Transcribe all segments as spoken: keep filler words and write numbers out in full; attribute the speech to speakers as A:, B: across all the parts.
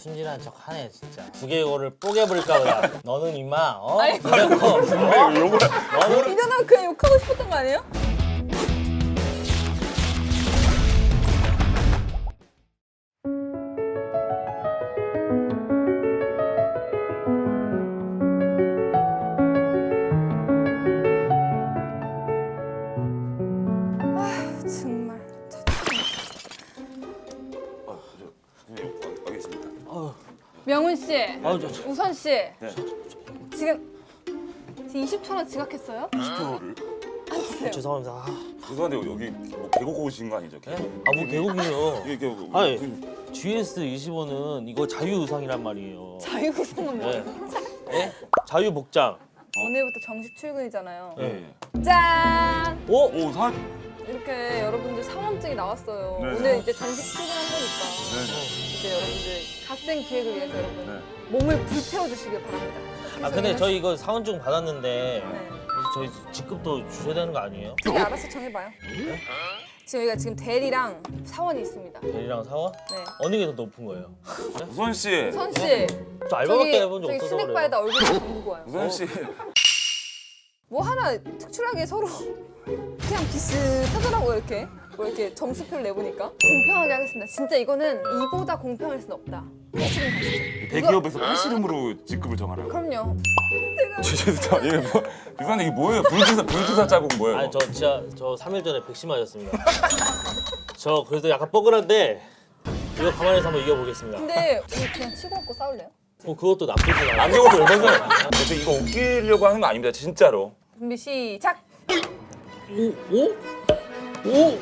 A: 순진한 척 하네 진짜. 두개골을 뽀개버릴까 보다. 너는 임마 어?
B: 아니.
A: 그냥 거.
C: 요거
A: 너는
B: 이거는 그냥 욕하고 싶었던 거 아니에요? 아휴, 정말.
C: 아, 저, 네, 알- 알겠습니다.
B: 명훈 씨,
A: 아우 저, 저
B: 우선 씨,
C: 네.
B: 지금 지금 이십 초 원 지각했어요?
C: 이십 초를
B: 앉으세요.
A: 죄송합니다. 아,
C: 죄송한데 여기 뭐 계곡 오신 거 아니죠?
A: 네?
C: 계곡.
A: 아뭐 계곡이요.
C: 이게 계곡.
A: 아니
C: 그-
A: 지에스 이십오는 이거 자유의상이란 말이에요.
B: 자유구성은
A: 네.
B: 뭐예요?
A: 네? 자유복장.
B: 오늘부터 정식 출근이잖아요.
C: 네.
B: 짠!
A: 오!
C: 오, 산.
B: 이렇게 여러분들 사원증이 나왔어요.
C: 네.
B: 오늘 이제 정식 출근한 거니까
C: 네.
B: 이제 여러분들 갓생 기획을 위해서 여러분
C: 네.
B: 몸을 불태워 주시길 바랍니다.
A: 아 근데 저희 이거 사원증 받았는데
B: 네.
A: 저희 직급도 주셔야 되는 거 아니에요?
B: 저기 알아서 정해봐요.
A: 네?
B: 지금 여기가 지금 대리랑 사원이 있습니다.
A: 대리랑 사원?
B: 네.
A: 어느 게 더 높은 거예요?
C: 우선 씨.
B: 우선 씨,
A: 저 알바밖에
B: 저기
A: 해본 적
B: 저기
A: 없어서 그래요.
B: 스낵바에다 얼굴 좀 담그고 와요.
C: 우선 씨.
B: 뭐 하나 특출하게 서로 그냥 비슷하더라고요 이렇게. 뭐 이렇게 점수표를 내보니까 공평하게 하겠습니다. 진짜 이거는 이보다 공평할 수는 없다. 지금 가시죠.
C: 대기업에서 팔씨름으로 직급을 정하라고.
B: 그럼요.
C: 죄송합니다. 이게 뭐 유산이 이게 뭐예요? 불주사 불주사 자국 뭐예요?
A: 아니 저 진짜 저 삼 일 전에 백신 맞았습니다. 저 그래서 약간 뻐근한데 이거 가만히 서 한번 이겨보겠습니다.
B: 근데 우리 그냥 치고 먹고 싸울래요?
A: 뭐 그것도 나쁘지 않아요.
C: 남자고도 얼마나? 저 이거 웃기려고 하는 거 아닙니다. 진짜로.
B: 준비 시작!
A: 오? 오? 오?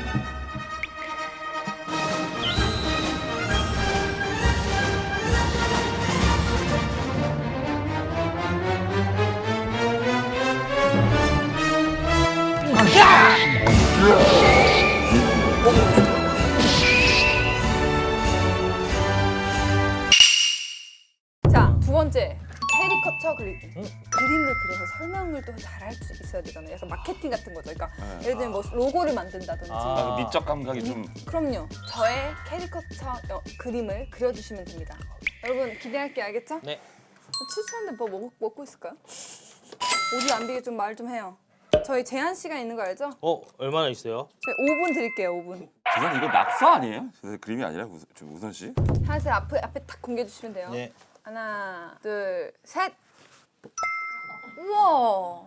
B: 자, 두 번째. 캐리커처 그리기. 그림을 그려서 설명을 또 잘할 수 있어야 되잖아요. 약간 마케팅 같은 거죠. 그러니까
C: 네.
B: 예를 들면 뭐 로고를 만든다든지.
A: 아.
C: 그 미적 감각이 좀.
B: 그럼요. 저의 캐리커처 여- 그림을 그려주시면 됩니다. 여러분 기대할게요. 알겠죠?
A: 네.
B: 출출한데 뭐 먹, 먹고 있을까요? 오디 안 비게 좀 말 좀 해요. 저희 제한 시간 있는 거 알죠?
A: 어 얼마나 있어요?
B: 저희 오 분 드릴게요. 오 분.
C: 죄송 이거 낙서 아니에요? 저 그림이 아니라 우선, 저 우선 씨.
B: 하나씩 앞에 앞에 딱 공개해 주시면 돼요.
A: 네.
B: 하나, 둘, 셋. 우와.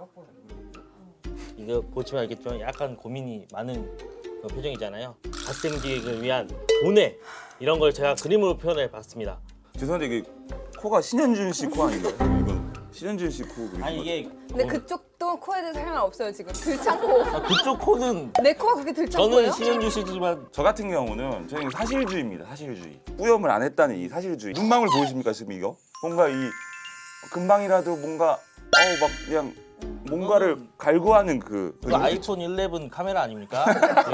A: 이거 보시면 알겠지만 약간 고민이 많은 그 표정이잖아요. 갓생 기획을 위한 돈에 이런 걸 제가 그림으로 표현해 봤습니다.
C: 죄송한데 이게 코가 신현준 씨 코 아닌가요? 이건 신현준 씨 코 그림.
A: 아니 이게
B: 근데
A: 어,
B: 그쪽도 코에 대해서 할 말 없어요 지금. 들창코.
A: 아, 그쪽 코는
B: 내 코가 그렇게 들창코예요?
A: 저는 신현주 씨지만
C: 저 같은 경우는 저희는 사실주의입니다. 사실주의. 뿌염을 안 했다는 이 사실주의. 눈망울 보이십니까 지금 이거? 뭔가 이 금방이라도 뭔가 어우 막 그냥 뭔가를 갈구하는 그.
A: 그 아이폰 십일 카메라 아닙니까?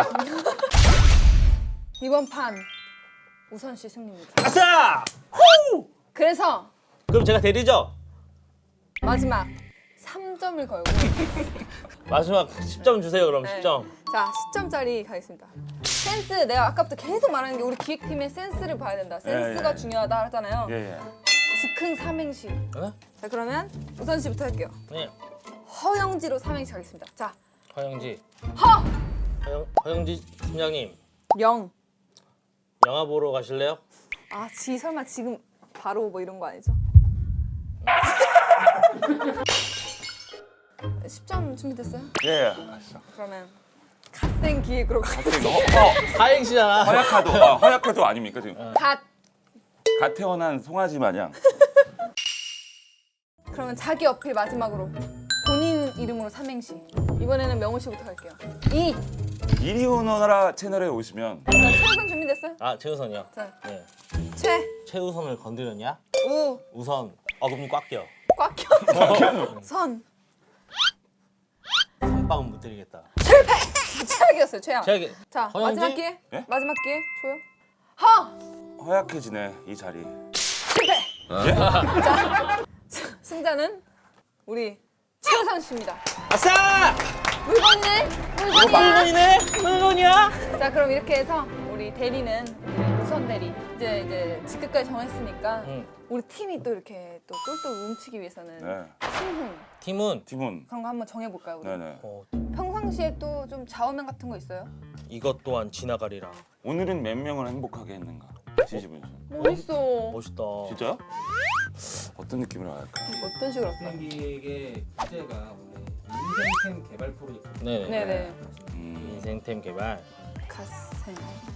B: 이번 판 우선 씨 승리입니다.
A: 아싸!
B: 그래서
A: 그럼 제가 대리죠?
B: 마지막 삼 점을 걸고
A: 마지막 십 점 주세요 그럼
B: 네.
A: 십 점.
B: 자 십 점짜리 가겠습니다. 센스 내가 아까부터 계속 말하는 게 우리 기획팀의 센스를 봐야 된다. 센스가
C: 예, 예.
B: 중요하다 하잖아요.
C: 예 예.
B: 즉흥 삼행시.
A: 어?
B: 자 그러면 우선 씨부터 할게요.
A: 네.
B: 허영지로 삼행시 하겠습니다. 자
A: 허영지.
B: 허!
A: 허영, 허영지 팀장님
B: 영.
A: 영화 보러 가실래요?
B: 아, 지 설마 지금 바로 뭐 이런 거 아니죠? 십 점 준비됐어요?
C: 예. 예. 알았어.
B: 그러면 갓생 기획으로 가.
C: 갑자기 너 허,
A: 사행시잖아.
C: 허약하도 아, 허약하도 아닙니까 지금?
B: 갓.
C: 갓 태어난 송아지 마냥.
B: 그러면 자기 어필 마지막으로 본인 이름으로 삼행시. 이번에는 명호 씨부터 갈게요. 이.
C: 이리 오너라 채널에 오시면
B: 자, 최우선 준비됐어요?
A: 아 최우선이요.
B: 자,
A: 네.
B: 최.
A: 최우선을 건드렸냐?
B: 우.
A: 우선 어금니 꽉 껴.
B: 꽉 껴. 선.
A: 선빵은 못 드리겠다.
B: 최악이었어요, 최악.
A: 제가
B: 자,
A: 허영지?
B: 마지막 기회.
C: 예?
B: 마지막 기회. 줘요. 허.
C: 허약해지네 이 자리.
B: 실패.
C: 예?
B: 승자는 우리 최우선 씨입니다.
A: 아싸!
B: 물건네? 물건이야.
A: 물건이네? 물건이야?
B: 자 그럼 이렇게 해서 우리 대리는 우리 우선 이수원 대리 이제 이제 직급까지 정했으니까
A: 응.
B: 우리 팀이 또 이렇게 또 똘똘 뭉치기 위해서는
C: 네.
B: 팀훈
A: 팀은
C: 팀원.
B: 그런 거 한번 정해볼까요? 우리?
C: 네네.
A: 어,
B: 평상시에 또 좀 좌우명 같은 거 있어요?
A: 이것 또한 지나가리라.
C: 오늘은 몇 명을 행복하게 했는가? 지지분 씨.
B: 뭐 있어?
A: 멋있다.
C: 진짜요? 어떤 느낌으로 할까?
B: 어떤 식으로 할까요?
D: 생기의 주제가 원래 인생템 개발 프로젝트.
A: 네네.
B: 네네.
C: 음.
A: 인생템 개발.
B: 갓생.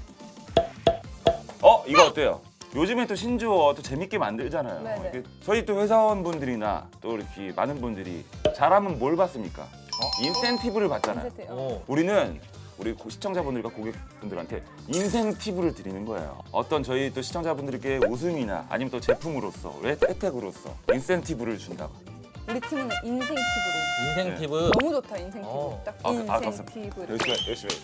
C: 어 이거 어때요? 요즘에 또 신조어 또 재밌게 만들잖아요.
B: 네네.
C: 이게 저희 또 회사원분들이나 또 이렇게 많은 분들이 잘하면 뭘 받습니까? 인센티브를 받잖아요.
B: 인센티브.
A: 오.
C: 우리는 우리 고- 시청자분들과 고객분들한테 인생 팁을 드리는 거예요. 어떤 저희 또 시청자분들께 웃음이나 아니면 또 제품으로서 혜- 혜택으로서 인센티브를 준다고.
B: 우리 팀은 인생 팁으로.
A: 인생
C: 네.
A: 팁은
B: 너무 좋다 인생 팁.
A: 어.
B: 딱
C: 아, 아,
B: 인생
C: 감사합니다.
B: 팁을.
C: 열심히 열심히.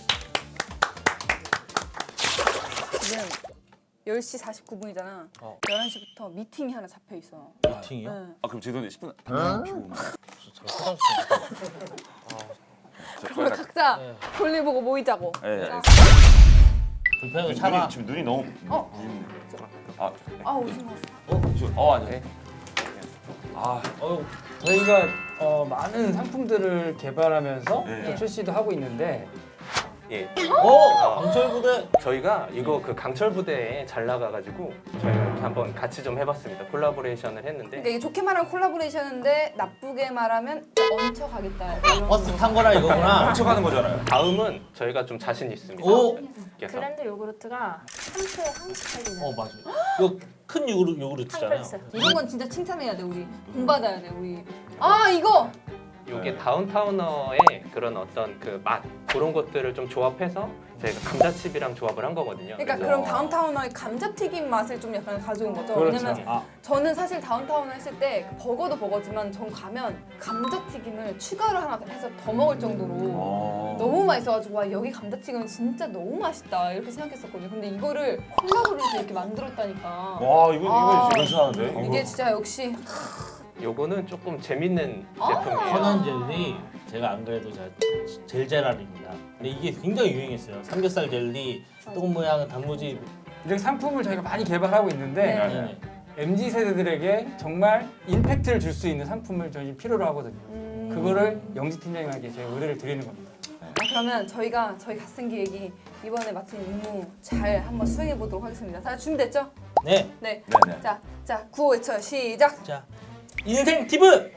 B: 지금 열 시 사십구 분이잖아.
A: 어.
B: 열한 시부터 미팅이 하나 잡혀 있어.
A: 미팅이요?
B: 네.
C: 아 그럼 죄송한데 십 분 담배 피우고.
A: 저 화장실.
B: 그러면 각자
A: 네.
B: 볼일 보고 모이자고.
C: 예. 예.
B: 자.
A: 불편해서
C: 눈이
A: 참아.
C: 지금 눈이 너무.
B: 어?
C: 부있네. 아,
B: 아 오신 것 같아.
C: 어, 저, 어 아니. 아,
A: 어우,
D: 저희가 어, 많은 상품들을 개발하면서
C: 네.
D: 또 출시도 하고 있는데
E: 예,
A: 어, 강철 부대.
E: 저희가 이거 그 강철 부대에 잘 나가가지고 저희가 이렇게 한번 같이 좀 해봤습니다. 콜라보레이션을 했는데
B: 그러니까 이게 좋게 말하면 콜라보레이션인데 나쁘게 말하면 얹혀가겠다. 이런
A: 버스 탄 거라 이거구나.
C: 훔쳐가는 거잖아요.
E: 다음은 저희가 좀 자신 있습니다.
A: 오.
E: 그래서
F: 그랜드 요구르트가 상추에 한스타일이네.
A: 어 맞아. 이거 큰 요구르 요구르트잖아요.
F: 한글스.
B: 이런 건 진짜 칭찬해야 돼 우리. 돈 받아야 돼 우리. 아 이거
E: 이게 다운타우너의 그런 어떤 그 맛 그런 것들을 좀 조합해서 저희가 감자칩이랑 조합을 한 거거든요.
B: 그러니까
E: 그래서
B: 그럼 다운타우너의 감자튀김 맛을 좀 약간 가져온 거죠.
D: 그렇죠.
B: 왜냐면
A: 아,
B: 저는 사실 다운타우너 했을 때그 버거도 버거지만 전 가면 감자튀김을 추가로 하나 해서 더 먹을 정도로
C: 어.
B: 너무 맛있어가지고 와 여기 감자튀김은 진짜 너무 맛있다 이렇게 생각했었거든요. 근데 이거를 콜라보를 해서 이렇게 만들었다니까.
C: 와 이거
B: 아.
C: 이거 괜찮은데?
B: 이게 진짜 역시
E: 요거는 조금 재밌는
B: 아.
E: 제품이에요.
A: 편한 젤리. 제가 안 그래도 제가 젤제랄입니다. 근데 이게 굉장히 유행했어요. 삼겹살 젤리, 똥 모양 단무지.
D: 이렇게 상품을 저희가 많이 개발하고 있는데
B: 네.
A: 네네.
D: 엠지 세대들에게 정말 임팩트를 줄 수 있는 상품을 저희 필요로 하거든요.
B: 음...
D: 그거를 영지 팀장님에게 저희가 의뢰를 드리는 겁니다.
B: 아, 그러면 저희가 저희 갓생 기획이 이번에 맡은 임무 잘 한번 수행해 보도록 하겠습니다. 다 준비됐죠?
A: 네.
B: 네.
C: 네네.
B: 자, 자 구호 외쳐 시작.
A: 자, 인생 팁은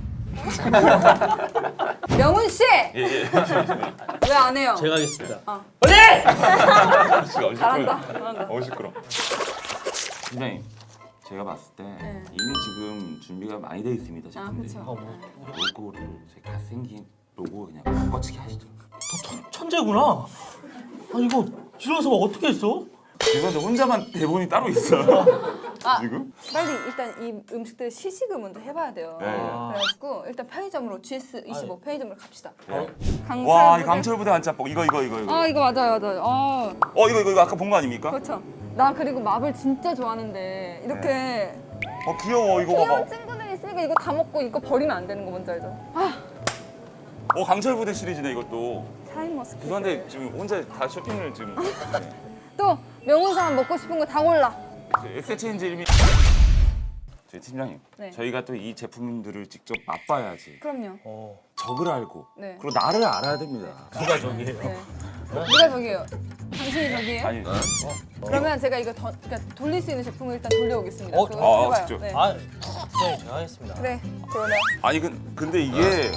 B: 명훈 씨.
C: 예 예.
B: 왜 안 해요?
A: 제가 하겠습니다.
B: 어.
C: 잘한다.
B: 잘한다. 잘한다.
C: 어우 시끄러. 팀장님, 제가 봤을 때
B: 네.
C: 이미 지금 준비가 많이 돼 있습니다
B: 아,
C: 제품들이.
B: 그쵸.
A: 어, 뭐,
C: 로고를 제 갓생긴 로고 그냥 바꿔치기 하시죠.
A: 천, 천재구나. 아 이거 실어서 막 어떻게 했어?
C: 죄송한데 혼자만 대본이 따로 있어요.
B: 아.
C: 지금?
B: 빨리 일단 이 음식들 시식을 먼저 해봐야 돼요.
C: 네.
B: 그래가지고 일단 편의점으로 지에스 이십오 편의점으로 갑시다. 강철
C: 와, 이
B: 부대-
C: 강철부대 한짬뽕 이거 이거 이거 이거.
B: 아 이거 맞아요, 맞아요. 아
C: 어 이거 이거 이거 아까 본 거 아닙니까?
B: 그렇죠. 나 그리고 마블 진짜 좋아하는데 이렇게
C: 어 귀여워 이거 봐봐.
B: 귀여운 친구들이 있으니까 이거 다 먹고 이거 버리면 안 되는 거 뭔지 알죠? 아
C: 어 강철부대 시리즈네 이것도.
B: 샤인머스켓.
C: 죄송한데 지금 혼자 다 쇼핑을 지금. 네.
B: 또 명훈 사람 먹고 싶은 거 다 골라.
C: 엑스체인지 이름이. 저희 팀장님,
B: 네.
C: 저희가 또 이 제품들을 직접 맛봐야지
B: 그럼요.
A: 어,
C: 적을 알고
B: 네.
C: 그리고 나를 알아야 됩니다.
A: 누가 저기예요?
B: 네. 누가 저기예요? 당신이 저기예요?
C: 아니,
B: 그러면 제가 이거 더, 그러니까 돌릴 수 있는 제품을 일단 돌려오겠습니다.
A: 어,
B: 그거
C: 아,
B: 해봐요.
C: 직접.
B: 네.
A: 아, 선생님 제가 하겠습니다.
B: 그래, 그러면
C: 아니 근, 근데 이게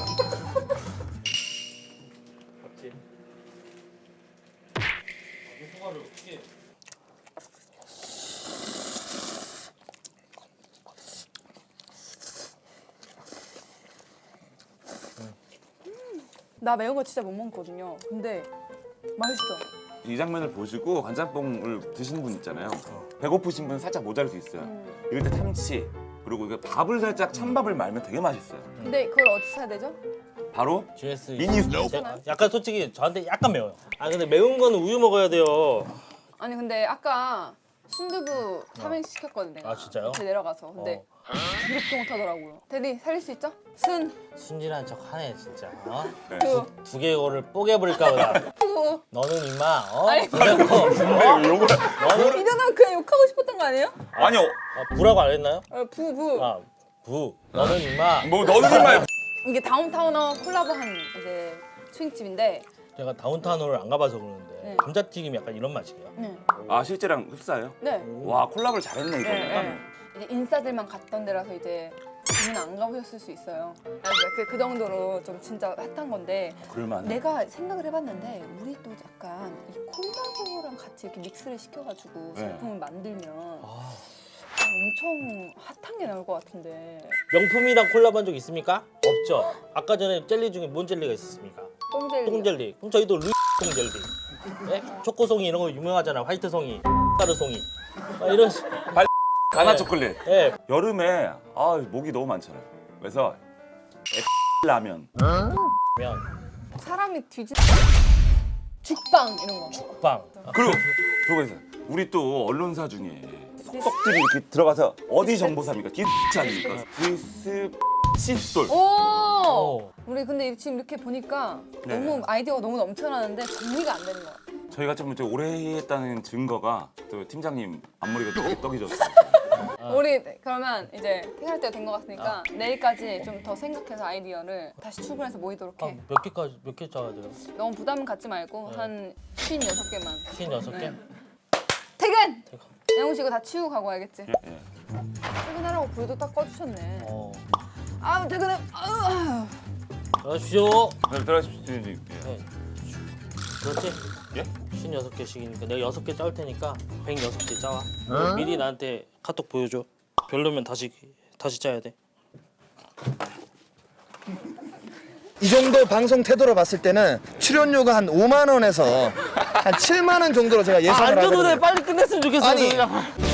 B: 나 매운 거 진짜 못 먹거든요. 근데 맛있어.
C: 이 장면을 보시고 간짬뽕을 드시는 분 있잖아요. 배고프신 분 살짝 모자랄 수 있어요. 이럴 때 참치 그리고 이게 밥을 살짝 찬밥을 말면 되게 맛있어요.
B: 근데 그걸 어디서 사야 되죠?
C: 바로
A: 지에스
C: 미니
A: 제- 약간 솔직히 저한테 약간 매워요. 아 근데 매운 거는 우유 먹어야 돼요.
B: 아니 근데 아까 순두부 삼행시 시켰거든 내가.
A: 아, 진짜요?
B: 밑에 내려가서. 근데
A: 어.
B: 드럽게 못하더라고요. 대리 살릴 수 있죠? 순,
A: 순진한 척 하네 진짜. 어?
C: 네.
B: 두,
A: 두 개골을 뽀개버릴까 보다.
B: 푸.
A: 너는 임마 어?
B: 아니,
A: 그래놓고
C: 근데 요거
A: 너는
B: 이러면 그냥 욕하고 싶었던 거 아니에요?
C: 아니요.
A: 아, 부라고 안 했나요?
B: 어, 부, 부.
A: 아 부. 너는 임마.
C: 뭐 너는 정말
B: 이게 다운타운어 콜라보한 이제 스윙집인데
A: 제가 다운타운을 안 가봐서 그러는데
B: 네.
A: 감자튀김이 약간 이런 맛이에요.
B: 네.
C: 아 실제랑 흡사해요?
B: 네.
C: 와 콜라보를 잘했네 이거.
B: 네, 네. 이제 인싸들만 갔던 데라서 이제 저는 안 가보셨을 수 있어요. 아니, 그, 그 정도로 좀 진짜 핫한 건데
C: 그럴만해.
B: 내가 생각을 해봤는데 우리 또 약간 이 콜라보랑 같이 이렇게 믹스를 시켜가지고
C: 네.
B: 제품을 만들면
A: 아,
B: 엄청 핫한 게 나올 것 같은데.
A: 명품이랑 콜라보한 적 있습니까? 없죠. 아까 전에 젤리 중에 뭔 젤리가 있었습니까?
B: 똥젤리.
A: 똥젤리. 그럼 저희도 루이 똥젤리. 네? 초코송이 이런 거 유명하잖아. 화이트송이, 가루송이. 아, 이런. 식-
C: 가나
A: 네.
C: 초콜릿.
A: 예.
C: 여름에 아 목이 너무 많잖아요. 그래서 라면.
A: 면,
B: 사람이 뒤집. 죽빵 이런 거.
A: 빵. 아,
C: 그리고 그거 있어요. 우리 또 언론사 중에 속들이 이렇게 들어가서 어디 정보사입니까? 디스 아닙니까? 디스 칫솔.
B: 오!
A: 오.
B: 우리 근데 지금 이렇게 보니까
C: 네.
B: 너무 아이디어가 너무 넘쳐나는데 정리가 안 되는 것 같아.
C: 저희가 좀 이제 오래 했다는 증거가 또 팀장님 앞머리가 떡, 떡이졌어요.
B: 우리 그러면 이제 퇴근할 때가 된 것 같으니까 내일까지 좀 더 생각해서 아이디어를 다시 출근해서 모이도록
A: 아,
B: 해.
A: 몇 개까지 몇 개 짜야 돼요?
B: 너무 부담 갖지 말고
A: 네.
B: 한 쉰여섯 개만.
A: 쉰여섯 개?
B: 네. 퇴근!
A: 퇴근.
B: 영훈 씨 이거 다 치우고 가고 와야겠지?
C: 예.
B: 퇴근하라고 불도 딱 꺼주셨네.
A: 어.
B: 아우 퇴근해. 아우.
A: 그러십시오.
C: 네, 들어가십시오. 예.
A: 네. 그렇지?
C: 예?
A: 쉰여섯 개씩이니까 내가 여섯 개 짜올 테니까 백여섯 개 짜와. 미리 나한테 카톡 보여줘. 별로면 다시 다시 짜야 돼.
G: 이 정도 방송 태도로 봤을 때는 출연료가 한 오만 원에서 한 칠만 원 정도로 제가 예상을
A: 안 줘도 돼.
G: 하거든요.
A: 빨리 끝냈으면 좋겠어.
G: 아니,
A: 그냥.